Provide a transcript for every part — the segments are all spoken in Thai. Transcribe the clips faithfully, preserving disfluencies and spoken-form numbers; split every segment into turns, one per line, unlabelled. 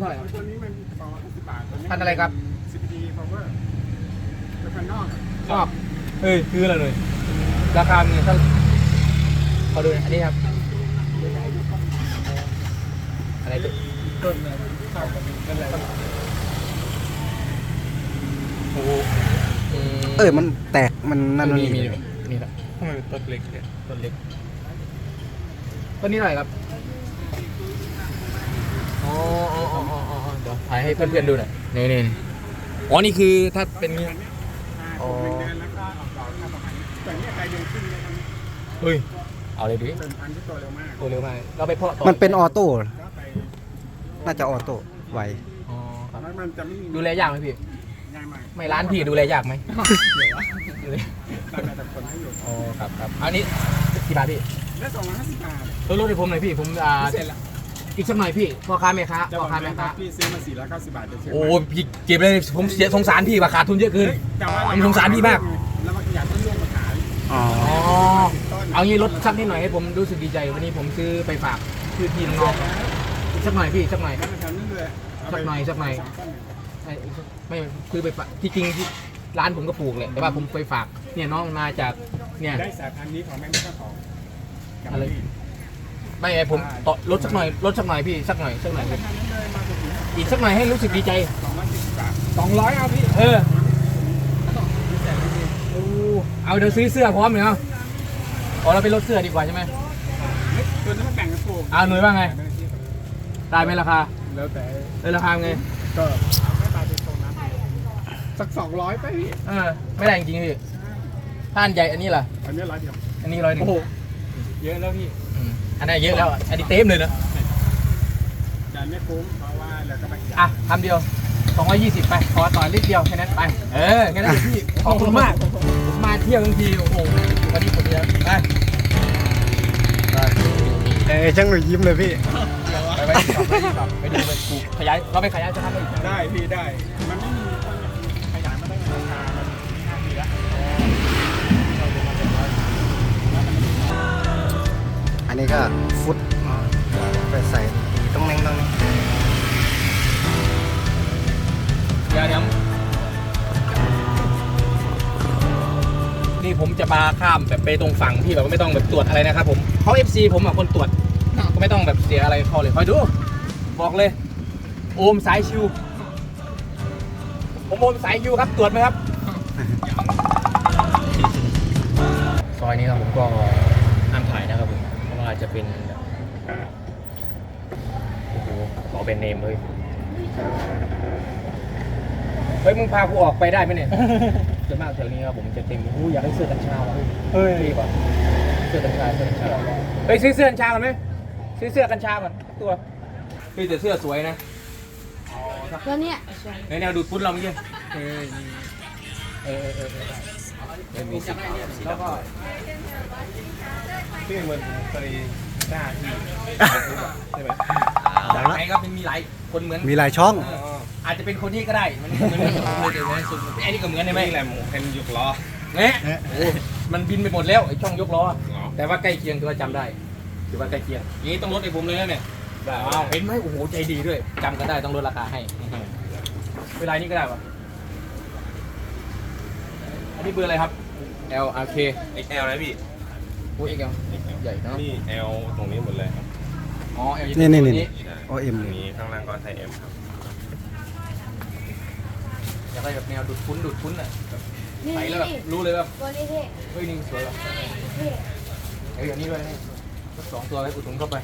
าไหร่ครับ
ตัวนี้มันสองร้อยห้าสิบบาทตัวนี้
พันอะไรครับ
ซี พี ดี Power เป็นพันนอก
ชอบเอ้ยคืออะไรเลยราคาเงินเท่าขอดูหน่อยอันนี้ครับอะไรตัวต้นเนี่ยข้าวกับเป็นอะไรโอ้โห
เออมันแตกมันนั่น
มีมี
นี่
มีครับทำไมต้นเล็กเนี่ยต้นเล็กต้นนี้เท่าไหร่ครับอ๋ออ๋ออ๋ออ๋อเดี๋ยวถ่ายให้เพื่อนๆดูหน่อยนี่นี่อ๋อนี่คือถ้าเป็นงี้
อ๋อหนึ่งเดือนแล้วก็ออกดอกประมาณนี้แต่เนี่ยใจเดือนขึ้นเลยครับ
เฮ้ยเอาเลยดิ
เป็นพันธุ์ที่โตเร็วมาก
ตัวเร็วมากเราไปเพาะต่อ
มันเป็นออโต้
ก็ไป
น่าจะออโต้ไว
อ๋อครับ
แล้วมันจะไม่มี
ดูแลยากไหมพี่
ง่ายมาก
ไม่ร้านพี่ดูแลยากไหม ดูแล
แต่แต่คนให้อยู่
อ๋อครับครับอันนี้กี่บาทพี่
ได้สองร้อยห้าสิบบาท
ลดลดให้ผมหน่อยพี่ผมอ่า
เสร็จแล้ว
อีกสักหน่อยพี่พ่อค้าแม่ค้า
จะบ
พ่
อ
อก ค้า
ไหม
แม่
ครั
ค้า
บพี่ซื้อมาสี่ร้อยเก้าสิบบาทเดี๋ยวเช็ค
โอ้พี่เก็บเลยผมเสียสงสารพี่ว่าขาดทุนเยอะเกิน
แต่ว่า
ผมสงสารพี่มาก
แล้วมันอยากต้นร่วงมาขาย
อ๋อ
อ๋อ
ต้น
เอางี้ลดสักนิดหน่อยให้ผมรู้สึกดีใจวันนี้ผมซื้อไปฝากพี่พี่น้องๆอีกสักหน่อยพี่สักหน่อย
แล้วมันทำนี่เลยเาไป
สักหน่อยสักหน่อย
สงต้น
ใช่ไม่ซื้อไปฝากที่จริงที่ร้านผมก็ปลูกแหละแต่ว่าผมไปฝากเนี่ยน้องมาจากเนี่ย
ได้สายพันธุ์นี้ของแม่ไม่ก็ของกับ
อะไร
พี่
ไม่ไงผมต่อลดสักหน่อยลดสักหน่อยพี่สักหน่อยสักหน่อย
ทางนั้นเลยมาถึง
อีกสักหน่อยให้รู้สึกดีใจ
สองร้อยสี่สิบบาทสองร้อยเอาพี่
เออโอ้เอาเดี๋ยวซื้อเสื้อพร้อมเลยเนาะอ๋อเราไปลดเสื้อดีกว่าใช่ไหม
ตัวนั้นมันแบ่งกันปลูก
อ่าหน่วยว่าไงได้ไหมราคา
แล้วแต่
เออราคาไง
ก็เอาไม่ตายเป็นตรงนั้นสักสองร้อยไปพี่
เออไม่ได้จริงๆพี่ท่านใหญ่อันนี้ล่ะ
อันนี้ร้อยเดียว
อันนี้ร้อยหนึ่ง
เยอะแล้วพี่
อืมอันนั้นเยอะแล้วอันนี้เต็มเลยนะ
แต่ไม่คุ้มเพราะว่าเราก็ไป
อ่ะคำเดียวสองร้อยยี่สิบไปขอต่อนิดเดียวแค่นั้นไปเออแค่นั้นเองพี่ขอบคุณมากผมมาเที่ยวทั้งทีโอ้โหวันนี้ผมจะไปไป
เอ้ยช่างหนุ่ยยิ้มเลยพี่
ไปไปไปไปดูไปปลูกขยายเราไปขยายจะทำได้อีก
ได้พี่ได้ มันไม่มีต้นขยายมาได้ราคามันห้าปีแล้ว
อันนี้ก็ฟุตไปใส่ต้องแน่งต้อง
เดี๋ยวเดี๋ยวนี่ผมจะมาข้ามแบบไปตรงฝั่งที่แบบไม่ต้องแบบตรวจอะไรนะครับผมเขา เอฟ ซี ผมอ่ะคนตรวจก็ไม่ต้องแบบเสียอะไรเขาเลยคอยดูบอกเลยโอมสายชิวผมโอมสายชิวครับตรวจไหมครับ ซอยนี้ครับผมก็ห้ามถ่ายนะครับผมเพราะว่าจะเป็นแบบโอ้โหขอเป็นเนมเลยเฮ้ยมึงพากูออกไปได้ไหมเนี่ยส่วนมากแถวนี้ครับผมจะเต็มอู้อยากให้เสื้อกัญชาว่ะเฮ้ยรีบอ่ะเสื้อกัญชาเสื้อกัญชาเฮ้ยซื้อเสื้อกัญชาก่อนไหมซื้อเสื้อกัญชาก่อนตัวเฮ้ยแต่เสื้อสวยนะ
ตัวเนี้ย
ในแนวดูดฟุ้นเราเมื่อกี้เออเออเออเออเออมีสีขาวสีแล้วก็
พี่เหมือนเคยหน้าที่ใช่ไหม
ไหนก็เป็นมีหลายคนเหมือน
มีหลายช่อง
เอออาจจะเป็นคนนี้ก็ได้มันมันมันมันจะเหมือนสุดไอ้นี่ก็เหมือนใช่ไหม
นี่แหละหมูเป็นยุกล้อ
เนี่ยโอ้มันบินไปหมดแล้วไอ้ช่องยกล้อแต่ว่าใกล้เคียงถือว่าจำได้ถือว่าใกล้เคียงอย่างนี้ต้องลดให้ผมเลยนะเนี่ยอ้าวเห็นไหมโอ้โหใจดีด้วยจำกันได้ต้องลดราคาให้เวลานี้ก็ได้ปะอันนี้เบอร์อะไรครับ L R K
เอ็กซ์แอล นะพี่
โอ้ย L ใหญ่เนาะ
นี่ L ตรงนี้หมดเลยครับ
อ๋อ L
นี่นี่นี่
ได้
โอเอ็ม
ตรงนี้ข้างล่างก็ไซส์ M ครับ
อยากได้แบบแนวดูดฟุ้นดูดฟุ้นอ่ะ
นี่
ใส่แล้วแบบ
นี่
รู้เลยว่า
ตัวนี้เท่
เฮ้ยนี่สวยว่ะ
เท่
เอ้ยอันนี้ด้วยนี่สักสองตัวให้อุดหนุนเข้าไป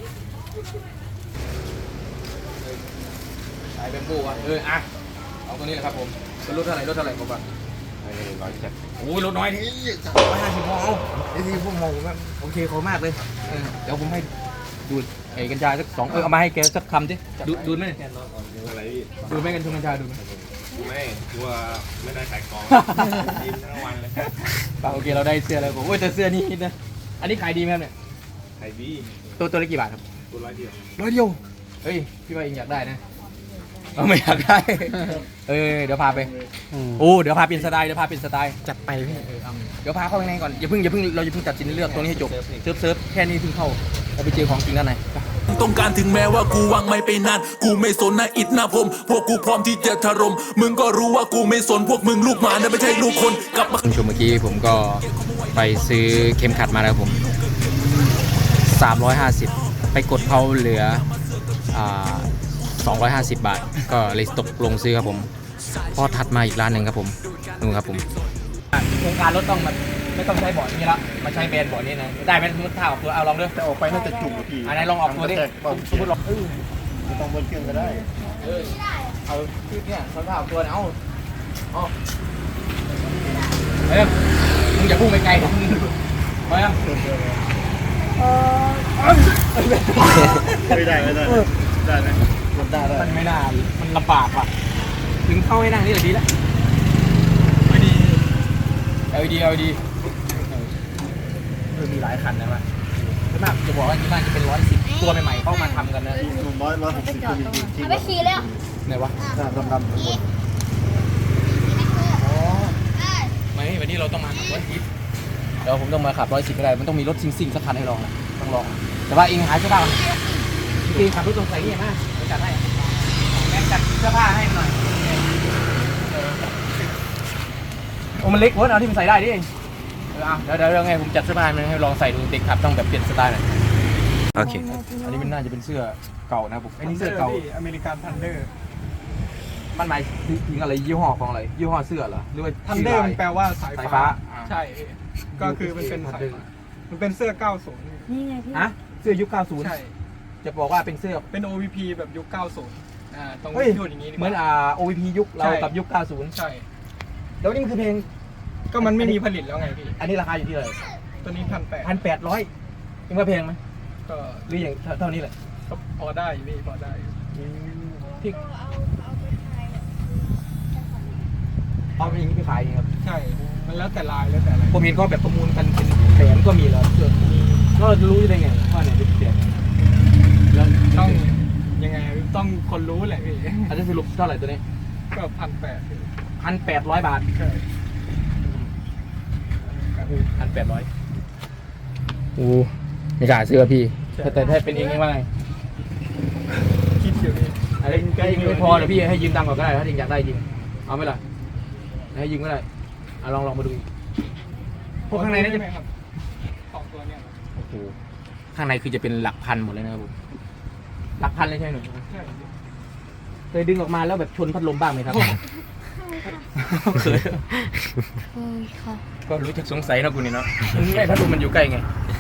สายแบมโบ้อ่ะเอออ่ะเอาตัวนี้แหละครับผมเป็นรถเท่าไหร่รถเท่าไหร่ผมอ่ะ
อันนี้ร้อยเจ็ด
โอ้ยรถน้อยนี่ร้อยห้าสิบมองไอ้ที่พวกมองผมว่าโอเคเขามากเลยเออเดี๋ยวผมให้ดูดไอ้กัญชาสักสองเออเอามาให้แกสักคำสิดูดูดไหมเนี่ย
อะไรพี่
ดูดไหมกัญชงกัญชาดูดไหม
ไม่กลัวไม่ได้ขายของกินทั้งวันเลย
ป่าโอเคเราได้เสื้อแล้วผมโอ้ยแต่เสื้อนี่นะอันนี้ขายดีไหมครับเนี่ย
ขายดี
ตัวตัวละกี่บาทครับ
ตัวร้อยเดียว
ร้อยเดียวเฮ้ยพี่ว่าเองอยากได้นะเออไม่อยากได้ เออเดี๋ยวพาไป
อืม
โอ้เดี๋ยวพาเปลี่ยนสไตล์เดี๋ยวพาเปลี่ยนสไตล์
จัดไปพี่
เออเอาเดี๋ยวพาเข้าข้างในก่อนอย่าเพิ่งอย่าเพิ่งเราอย่าเพิ่งตัดสินในเรื่องตรงนี้ให้จบเซิร์ฟเซิร์ฟแค่นี้เพิ่งเข้าเราไปเจอของจริงด้านใน
ต้องการถึงแม้ว่ากูวางไม่ไปนานกูไม่สนนะอิดนะผมพวกกูพร้อมที่จะถล่มมึงก็รู้ว่ากูไม่สนพวกมึงลูกหมานะไม่ใช่ลูกคนกลับมา
คุณผู้ชมเมื่อกี้ผมก็ไปซื้อเข็มขัดมาแล้วผมสามร้อยห้าสิบไปกดเขาเหลืออ่าสองร้อยห้าสิบบาทก็เลยตกลงซื้อครับผมพอถัดมาอีกร้านหนึ่งครับผมนู่นครับผมโครงการรถต้องมาไม่ต้องใช้บอร์ดนี้ละมาใช้แบรนด์บอร์ดนี้นะได้ไหมสมมติถ้าออกตัวเอาลองด้วย
แต่ออกไปน่าจะจุ่มพี่
อันไหนลองออกตัวดิสมมติลองเออ
ไม่ต้องเบิ้ลเครื่องก็ได้
เออเอาที่เนี่ยเขาถ้าออกตัวเอาเอาเฮ้ยมึงอย่าพุ่งไปไกลนะไปยัง
ไม่ได้ไม่ได้ได้ไหมมันได้ได้
มันไม่น่ามันลำบากว่ะถึงเข้าให้นั่งนี่แหละดีแล้วไม่ดีเอาดีเอาดีเออมีหลายคันนะว่ะส่วนมากจะบอกว่าที่บ้านจะเป็นร้อยสิบตัวใหม่ๆเข้ามาทำกันนะ
หนุ่มร้อยร้อยหกสิบคนจริงจริง
เอาไปขี่เลยอ่ะ
ไหนวะ
ดำดำทุกคน
อ๋อไม่วันนี้เราต้องมาขับร้อยสิบเดี๋ยวผมต้องมาขับร้อยสิบไม่ได้มันต้องมีรถซิ่งๆสักคันให้ลองนะต้องลองแต่ว่าเองหาเสื้อผ้าจริงๆขับรถตรงใส่นี่มาเดี๋ยวจัดให้แม่จัดเสื้อผ้าให้หน่อยโอ้มันเล็กเว้ยเอาที่มันใส่ได้ดิเดี๋ยวเดี๋ยวเดี๋ยวไงผมจัดเสื้อผ้ามันให้ลองใส่ดูเด็กขับต้องแบบเปลี่ยนสไตล์หน่อยโอเคอันนี้มันน่าจะเป็นเสื้อเก่านะผมอันนี้เสื้อเก่า
อเมริกันทันเดอร์
มันหมายถึงอะไรยี่ห้อของอะไรยี่ห้อเสื้อเหรอหรือว่า
ทันเดอร์มันแปลว่าสาย
สายฟ้า
ใช่ก็คือมันเป็นสายฟ้ามันเป็นเสื้อเก้าสิบ
นี่ไงพี่
ฮะเสื้อยุคเก้าสิบ
ใช่
จะบอกว่าเป็นเสื้อ
เป็น โอ วี พี แบบยุคเก้าสิบอ่าตรง
เฮ้ย
พูดอย่างนี้ดีก
เหมือน
ว่า
อ่า โอ วี พี ยุคเรา
ใช่
กับยุคเก้าสิบ
ใช่
แล้วนี่มันคือเพลง
ก็มันไม่มีผลิตแล้วไงพี่
อันนี้ราคาอยู่ที่เท่าไหร่
ตัวนี้พันแปด
พันแปดร้อยยังว่าเพลงไหม
ก็
หรืออย่างเท่านี้แหละ
ก็พอได้อยู่พี่พอได้อยู่
ที่เอาเป็นอย่างนี้ไปขายเองครับ
ใช่ มันแล้วแต่ลายแล้วแต่อะไร
ผมเห็นเขาแบบประมูลกันเป็นแสนก็มีแล้วเสื้อแล้วเราจะรู้ได้ไงว่าไหนเป็นแสนแล้ว
ต้องยังไงต้องคนรู้แหละพี่
อันนี้สรุปเท่าไหร่ตัวนี้
ก็พันแปด
พันแปดร้อยบาท
ใช่
พันแปดร้อยโอ้ไม่กล้าซื้อพี่แต่แต่ถ้าเป็นเองว่าไง
คิดอยู่พี่
อะไรก็ยังไม่พอนะพี่ให้ยืมตังค์ก่อนก็ได้ถ้าจริงอยากได้จริงเอาไหมล่ะให้ยืมก็ได้เอาลองลองมาดูอีกพวกข้างในน่าจะ
ไหมครับสองตัวเนี่ย
โอ้โหข้างในคือจะเป็นหลักพันหมดเลยนะครับผมหลักพันเลยใช่ไหมหนู
ใช่
เคยดึงออกมาแล้วแบบชนพัดลมบ้างไหมครับเคย
เออค่ะ
ก็รู้จักสงสัยนะกูนี่เนาะไอ้พัดลมมันอยู่ใกล้ไง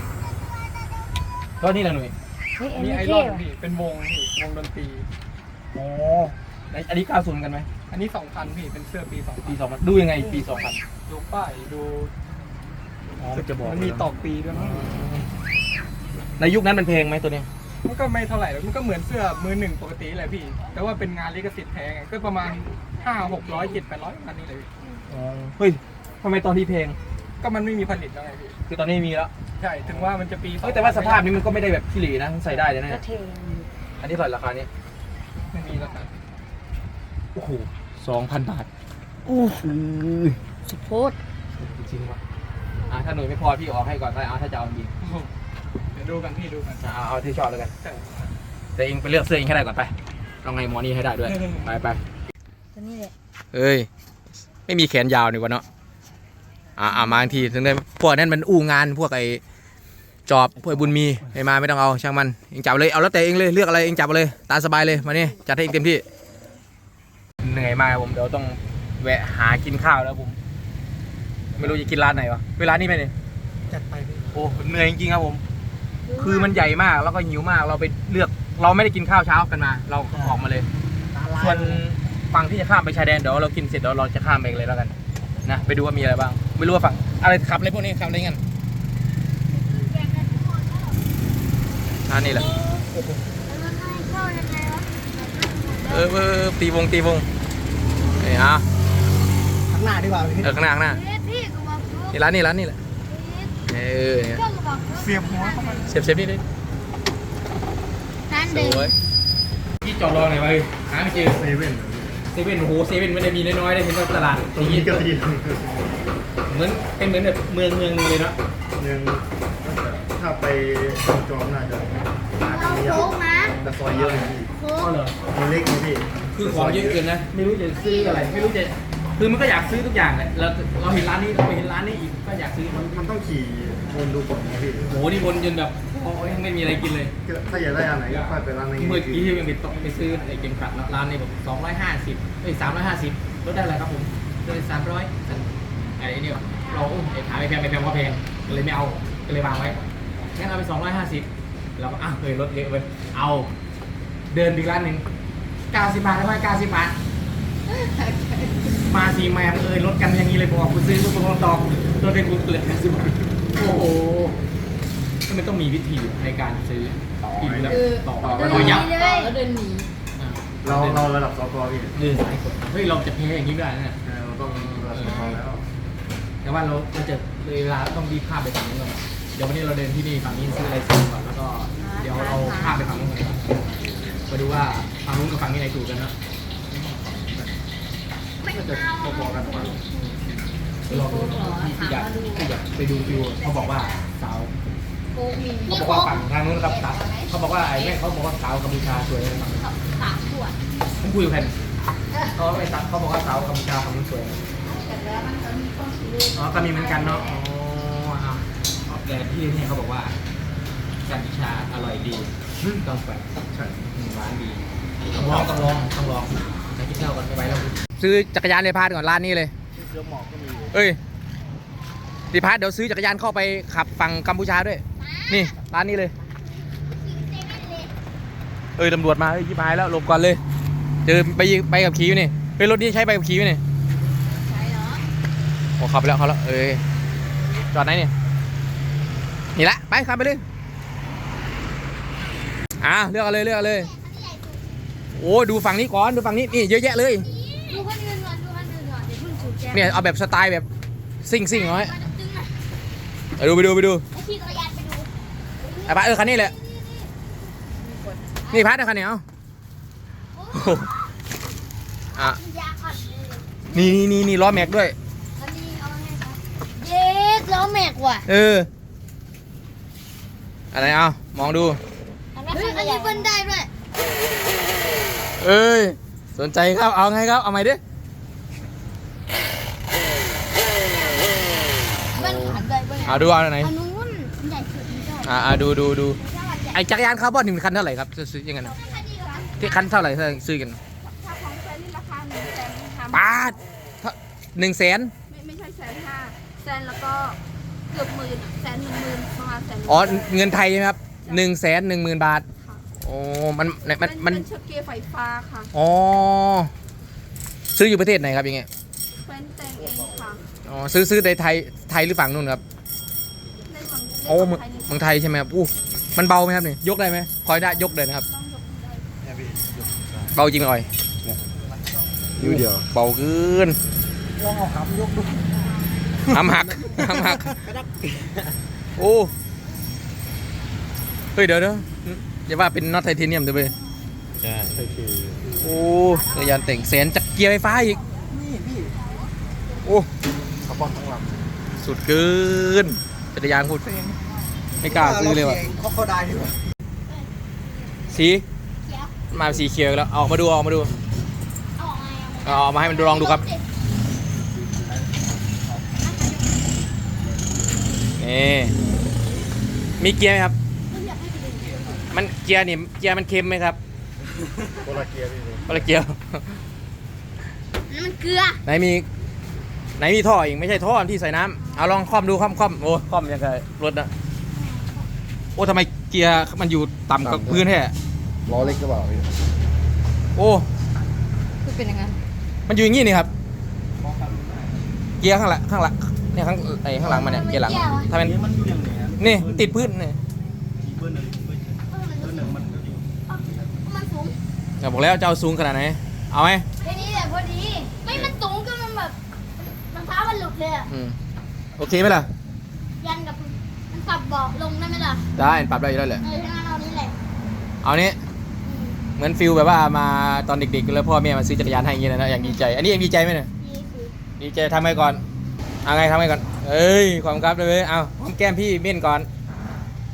ก็นี่แหละหนุ่ย
เฮ้ยอัน
มี
นี้
ไอร
เท่
อน
ว่ะ
พี่เป็นวงพี่วงดนตรี
อ๋ออันนี้เก้าศูนย์กันไหม
อันนี้สองพันพี่เป็นเสื้อปีสองพั
ปี
น
สองพันดูยังไงปีสองพัน
ดูป้ายดู
อ๋อมันจะบอก
มันมีตอกปีด้วยมั้ง
ในยุคนั้นมันเพลงไหมตัวเนี้ย
มันก็ไม่เท่าไหร่หรอกมันก็เหมือนเสื้อมือหนึ่งปกติแหละพี่ แต่ว่าเป็นงานลิขสิทธิ์แท้ไงก็ประมาณห้าหกร้อยเจ็ดแปดร้อยอันนี้เลยพี่
อ๋อเฮ้ยทำไมตอนที่เพลง
ก็มันไม่มีผลิตแล้วไงพี่
คือตอนนี้มีแล้ว
ใช่ถึงว่ามันจะปี
เฮ้ยแต่ว่าสภาพนี้มันก็ไม่ได้แบบขี้หลีนะใส่ได้เลยนะ
ก็เท่
อันนี้เท่าไหร่ราคานี้
ไม่มีแล้วครับ
โอ้โหสองพันบาทโอ้โห
สุดโพด
จริงๆว่ะอ่ะถ้าหน่วยไม่พอพี่ออกให้ก่อนก็ได้เอาถ้าจะเอาจริง
เดี๋ยวดูกันพี่ดูกัน
เอาเอาที่ชอบแล้วกัน
ใช่
แต่เองไปเลือกเสื้อเองให้ได้ก่อนไปลองไงหมอนี่ให้ได้ด้วย ไปไป
ตัวนี้แหละ
เอ้ยไม่มีแขนยาวนี่วะเนาะอ่าอ่ามาทีถึงได้พวกนั้นมันอู้งานพวกไอ้จอบพวกไอ้บุญมีไม่มาไม่ต้องเอาช่างมันเองจับเลยเอาแล้วแต่เองเลยเลือกอะไรเองจับเลยตามสบายเลยมานี่จัดให้เองเต็มที่เหนื่อยมากผมเดี๋ยวต้องแวะหากินข้าวแล้วผมไม่รู้จะกินร้านไหนวะเวลานี้ไหมเนี่ย
จัดไปพี่
โอ้เหนื่อยจริงๆครับผม คือมันใหญ่มากแล้วก็หิวมากเราไปเลือกเราไม่ได้กินข้าวเช้ากันมา เราออกมาเลย ส่วนฝั่งที่จะข้ามไปชายแดนเดี๋ยวเรากินเสร็จเดี๋ยวเราจะข้ามไปเลยแล้วกันนะไปดูว่ามีอะไรบ้างไม่รู้ว่าฝั่งอะไรขับอะไรพวกนี้ขับอะไรกันอ่านี่แหละเออเออตีวงตีวงนี่อ่ะ
ข้างหน้าดีกว่าพี่
เออข้างหน้าข้างหน้า
พี่ก็บอก
นี่ร้านนี่ร้านนี่แหละเออเนี่ย
เจ้าก็บอก
เสียบหัวเข้ามา
เสียบเสียบนี่ดิ
นั่น
ส
เด็ก
วยที่จอดรอหน่อยไปหาไม่เจอ
เซเว่น
เซเว่นโอ้โหเซเว่นไม่ได้มีน้อยๆได้เห็นว่าตลาด
ตรงนี้ก็ดี
เหมือนเป็นเหมือนแบบเมืองเมืองนึงเลยเนาะ
หนึ่งถ้าไปจอมน่าจะ
เราโค้งนะ
แต่ซอยเยอะเลยพี่
โค้ง
มันเล็กนะพี่
คือของเยอะเกินนะไม่รู้จะซื้ออะไรไม่รู้จะคือมันก็อยากซื้อทุกอย่างแหละเราเราเห็นร้านนี้เราไปเห็นร้านนี้อีกก็อยากซื้อมัน
มันต้องขี่วนดูก่อนนะพี่
โหนี่วนจนแบบโอ้ยยังไม่มีอะไรกินเลย
ถ้าอยากได้อันไหนก็ค่อยไปร้านนั้น
เมื่อกี้ที่ยังไปตกไปซื้อไอ้เกมขัดร้านนี้แบบสองร้อยห้าสิบเอ้ยสามร้อยห้าสิบลดได้อะไรครับผมเลยสามร้อยไอ้นี่เราไอ้ขายไม่แพงไม่แพงว่าแพงก็เลยไม่เอาก็เลยวางไว้งั้นเอาไปสองร้อยห้าสิบเราก็อ่ะเคยลดเยอะไปเอาเดินไปร้านหนึ่งเก้าสิบบาทได้ไหมเก้าสิบบาทมาสีแมมเอ้ยลดกันอย่างนี้เลยบอกกูซื้อกูลงตอกลดได้กูเหลือเก้าสิบบาทโอ้โหก็มันต้องมีวิธีในการซื้อกินแล้วต่อ
เดิน
โดย
หนี
ยับ
เลยเดินหนี
เราเราระดับสกพี่
เดินสายกดเฮ้ยเราจะแพ้อย่างนี้ไม่ได้นะ
เราต้องระดับสกแล้ว
แต่ว่าเราเราจะเลยเวลาต้องรีบข้ามไปฝั่งนู้นก่อนเดี๋ยววันนี้เราเดินที่นี่ฝั่งนี้ซื้ออะไรซื้อก่อนแล้วก็เดี๋ยวเราข้ามไปฝั่งนู้นก่อนมาดูว่าฝั่งนู้นกับฝั่งนี้ไหนถูกกันนะก็จะพอๆกันกว่าลองดูที่อยากที่อยากไปดูฟิวเขาบอกว่าสาว
โค้งมี
เขาบอกว่าฝั่งทางนู้นครับสาวเขาบอกว่าไอ้แม่เขาบอกว่าสาวกัมพูชาสวยเลยฝั่งนู้น
สามขวด
ผมคุยกับแฟนเขาไม่สาวเขาบอกว่าสาวกัมพูชาฝั่งนู้นสวย
แต่แล้วมันก็มีข้อคิดเลย
อ๋อก็มีเหมือนกันเนาะอ๋ออ่ะแต่ที่นี่เขาบอกว่ากัมพูชาอร่อยดีต้องไป
ใช่
หวานดีต้องลองต้องลองต้องลองไปกินข้าวก่อนไปแล้วซื้อจักรยานในพาร์ทก่อนร้านนี้เลย
เสื้อหมอกก็มี
เอ้ยดีพาร์ทเดี๋ยวซื้อจักรยานเข้าไปขับฝั่งกัมพูชาด้วยนี่ร้านนี้เลยเอ้ยตำรวจมาเอ้ยยิบหายแล้วหลบก่อนเลยเจอไปไปกับขี่อยู่นี่เฮ้ยรถนี้ใช้ไปกับขี่อยู่นี่
ใช่เหรอ
โอ้ขับไปแล้วขับแล้วเอ้ยจอดไหนเนี่ยนี่ละไปขับไปเลยอ่ะเลือกเอาเลยเลือกเอาเลยโอ้ดูฝั่งนี้ก่อนดูฝั่งนี้นี่เยอะแยะเลย
ดูคนอื่นก่อนดูคนอื่นก่อนเดี๋ยวเพิ่งสูบแก้ว
เนี่ยเอาแบบสไตล์แบบซิ่งซิ่งๆหน่อย
มันจะตึงอ่ะ
ไปดูไปดูไปดู
ไอ้ขี่จักรยานไปดู
ไอ้พัดเออคันนี้แหละนี่พัดนะคันนี้เอาโอ้โหอ่ะ
ยาขัดเลย
นี่นี่นี่นี่ล้อแม็กด้วย
อันนี้เอาไงครับเย็ดล้อแม็กว่ะ
เอออะไรเอามองดู
อันนี้อันนี้เบิ้ลได้ด้วย
เอ้ยสนใจครับเอาไงครับเอาไหมดิ
เบิ้ลขันได้เบิ้ล
เอาดูเอาไหน
อันนู้นใหญ่สุดนี่ก็
อ่าดูดูดู
ถ้าวันใหญ่
ไอจักรยานคาร์บอนหนึ่งคันเท่าไหร่ครับซื้อยังไงนะ
แค่นี้เหรอ
ที่คันเท่าไหร่ถ้าซื้อกัน
ถ้าของแซนนี่ราคาหนึ่งแสนทำ
ปาดหนึ่งแสน
ไม่ไม่ใช่แสนห้าแสนแล้วก็เกือบหมื่นอะแสนหนึ่งหมื่นประมาณแสน
อ๋อเงินไทยใช่ไหมครับหนึ่งแสนหนึ่งหมื่นบาทโอ้มันมัน
มัน
มัน
เป็นเชือกเกียร์ไฟฟ้าค่ะ
อ๋อซื้ออยู่ประเทศไหนครับอย่างเงี้ย
แฟนแต่งเองค่ะ
อ๋อซื้อซื้อในไทยไทยหรือฝั่งนู่นครับ
ในฝั่งใน
โอ้
ฝั่ง
เมือง
ไทยนี่
เมืองไทยใช่ไหมครับอู้มันเบาไหมครับนี่ยกได้ไหมคอยได้ยกเลยนะครับ
ต้องยกได้
เนี่ยพี่
เบาจริงไหมอ่อย
นิ้วเดียว
เบาเกิน
ลองเอาขายกดู
หำหักหำหักโอ้เฮ้ยเดี๋ยวเดี๋ยวอย่าว่าเป็นน็อตไทเทเนียมเดี๋ยวไป
ใช่
โอเค
โอ้จักรยานแต่งแสนจากเกียร์ไฟฟ้าอีก
นี่พี่
โอ้
คาร์บอนทั้งลำ
สุดเกินจักรยานโคตรแพงไม่กล้าซื้อเลยว่ะ
เขาเขาได้ดีกว่า
สีมาสีเขียวแล้วเอามาดูเอามาดู
เอาออกไงเอา
เอามาให้มันดูลองดูครับนี่มีเกียร์ไหมครับ มันเกียร์นี่เกียร์มันเค็มไหมครับ
โคลาเกียร์พี่
คนละเกียร์
นั่นมันเกลือ
ไหนมีไหนมีท่ออีกไม่ใช่ท่อที่ใส่น้ำเอาลองคล่อมดูคล่อมคล่อมโอ้คล่อมยังไงรถนะโอ้ทำไมเกียร์มันอยู่ต่ำกับพื้นแท้
ล้อเล็กก็เปล่าพี่
โอ้
คือเป็นยังไง
มันอยู่อย่างงี้นี่ครับเกียร์ข้างหลังข้างหลังเนี่ยข้างไอ้ข้างหลังมันเนี่ยเกียร์หลังถ้ามัน
มันอยู่อย่างนี้
นี่ติดพื้นนี่
เบอร์หนึ่งเบอร์เบอร์หนึ่งมันก็อยู่
มันสูง
จะบอกแล้วจะเอาสูงขนาดไหนเอาไหม
แค่นี้แหละพอดีไม่มันสูงจนมันแบบรองเท้ามันหลุดเลยอะ
อืมโอเคไหมล่ะ
ยันกับมันปรับเบาะลงได้ไหมล่ะ
ได้ปรับได้อยู่แล้วแหละ
เออถ้างั้นเอานี้แหละ
เอานี้
อืม
เหมือนฟิลแบบว่ามาตอนเด็กๆแล้วพ่อแม่มาซื้อจักรยานให้อย่างเงี้ยนะอย่างดีใจ อันนี้ยังดีใจไหมเนี่ย
นี่คือ
ดีใจทำไงก่อนเอาไงทำไงก่อนเอ้ยความครับเลยเว้ยเอาหอมแก้มพี่เม่นก่อน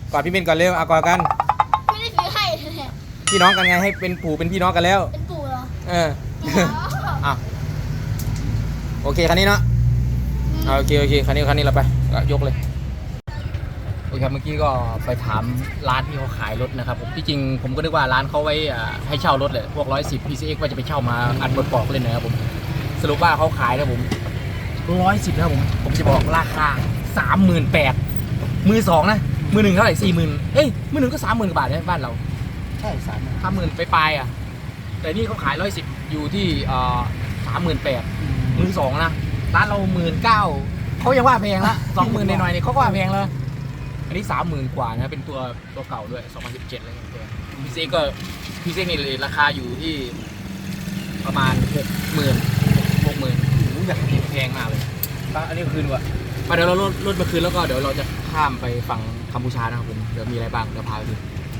กอดพี่เบนก่อนเร็วเอากอดกัน
ไม่ได้ซื้อให้เลย
พี่น้องกันไงให้เป็นปู่เป็นพี่น้องกันแล้ว
เป็นปู่เหรอ
เออ
อ๋อ
อ่ะโอเคคันนี้เนาะอ่ะโอเคโอเคคันนี้คันนี้เราไปก็ยกเลยโอเคครับเมื่อกี้ก็ไปถามร้านที่เขาขายรถนะครับผมที่จริงผมก็นึกว่าร้านเขาไว้อ่าให้เช่ารถเลยพวกร้อยสิบ พี ซี เอ็กซ์ ว่าจะไปเช่ามาอัดบทปอกเล่นนะครับผมสรุปว่าเขาขายนะผมร้อยสิบนะครับผมผมจะบอกราคาสามหมื่นแปดมือสองนะมือหนึ่งเท่าไหร่สี่หมื่นเอ้ยมือหนึ่งก็สามหมื่นกว่าบาทนะบ้านเรา
ใช่สาม
ห้าหมื่นไปปลายๆอ่ะแต่นี่เขาขายร้อยสิบอยู่ที่อ่าสามหมื่นแปดมือสองนะร้านเราหมื่นเก้าเขายังว่าแพงละสองหมื่นหน่อยๆนี่เขาก็ว่าแพงแล้วอันนี้สามหมื่นกว่านะเป็นตัวตัวเก่าด้วยสองพันสิบเจ็ดอะไรเงี้ยพีซีก็พีซีนี่ราคาอยู่ที่ประมาณหกหมื่นหกหมื่นอยากแพงมากเลยอันนี้คืนว่ะมาเดี๋ยวเราลดลดมาคืนแล้วก็เดี๋ยวเราจะข้ามไปฝั่งกัมพูชานะครับผมเดี๋ยวมีอะไรบ้างเดี๋ยวพาไปดู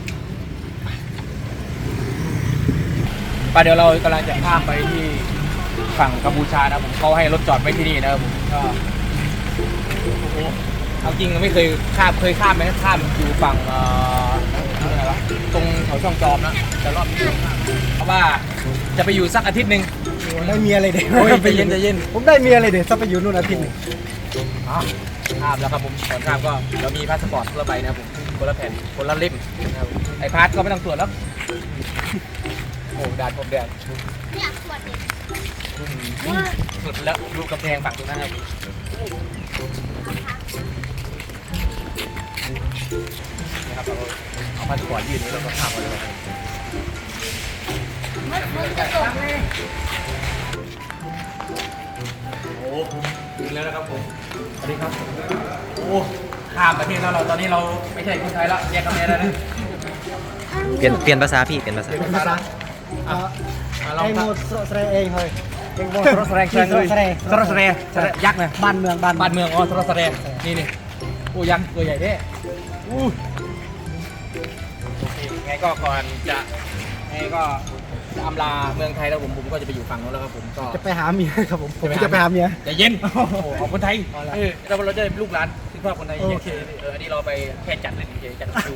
ไปเดี๋ยวเรากำลังจะข้ามไปที่ฝั่งกัมพูชานะผมเขาให้รถจอดไว้ที่นี่นะครับผมก็โอ้โหเอาจริงไม่เคยข้ามเคยข้ามไหมข้ามอยู่ฝั่งเอ่ออะไรวะตรงแถวช่องจอมนะแต่รอบนี้ไม่ข้ามเพราะว่าจะไปอยู่สักอาทิตย์หนึ่ง
ได้เมียเลยเด็ก
โอ้ยใจเย็นใจเย็น
ผมได้เมียเลยเด็กจะไปอยู่นู่นอาทิตย์หนึง
อ๋อข้ามแล้วครับผมก่อนข้ามก็เรามีพาสปอร์ตคนละใบนะครับผมคนละแผ่นคนละเล่มนะครับไอพาสก็ไม่ต้องตรวจแล้วโอ้ด่านผมแดน
ไม่อยากตรวจเด็ก
สุดแล้วดูกำแพงฝั่งตรงนั้นครับนี่ครับเราเอาพาสปอร์ตยื่นนี้แล้วก็ข้ามมาเลย
มันมันจะตกเลย
โอ้ถึงแล้วนะครับผมสวัสดีครับโอ้ข้ามประเทศแล้วเราตอนนี้เราไม่ใช่คนไทยแล้วแยกกันแล้วนะ
เปลี่ยนเปลี่ยนภาษาพี่เปลี่ยนภาษา
เป็นภาษา
อ่ะลอง
ไอ้โม
ครับ
ดสระเองเฮ้ยเองโมด
ทรสแรง
สระเอง
ทรสแรงยักษ์นะ
บ้านเมืองบ้าน
บ้านเมืองอ๋อทรสแรงนี่นี่โอ้ยักษ์ตัวใหญ่เด้อู้โอเคไงก็ก่อนจะไงก็จะอำลาเมืองไทยแล้วผมผมก็จะไปอยู่ฝั่งโน้นแล้วครับผมก็
จะไปหาเมียครับผมผมจะไปหาเมีย
ใจเย็นโอ้โหของคนไทยเออเราเราจะลูกหลานที่พ่อคนไทยโอเคเอออันนี้เราไปแค่จัดเล่นเฉยจัดดู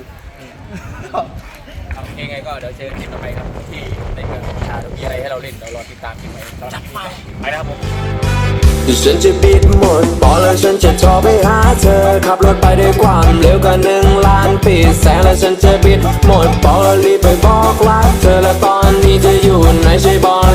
เอายังไงก็เดี๋ยวเจอคลิปต่อไปครับที่ในเมืองกัมพูชาเดี๋ยวมีอะไรให้เราเล่นเดี๋ยวรอติดตามคลิปใหม่สำหรับคลิปนี้ไปแล้วครับผม
เดี๋ยวฉันจะบิดหมดบอกแล้วฉันจะโทรไปหาเธอขับรถไปด้วยความเร็วกว่าหนึ่งล้านปีแสงแล้วฉันจะบิดหมดบอกแล้วรีบไปบอกรักเธอและตอนนี้เธออยู่ไหนใช่บอก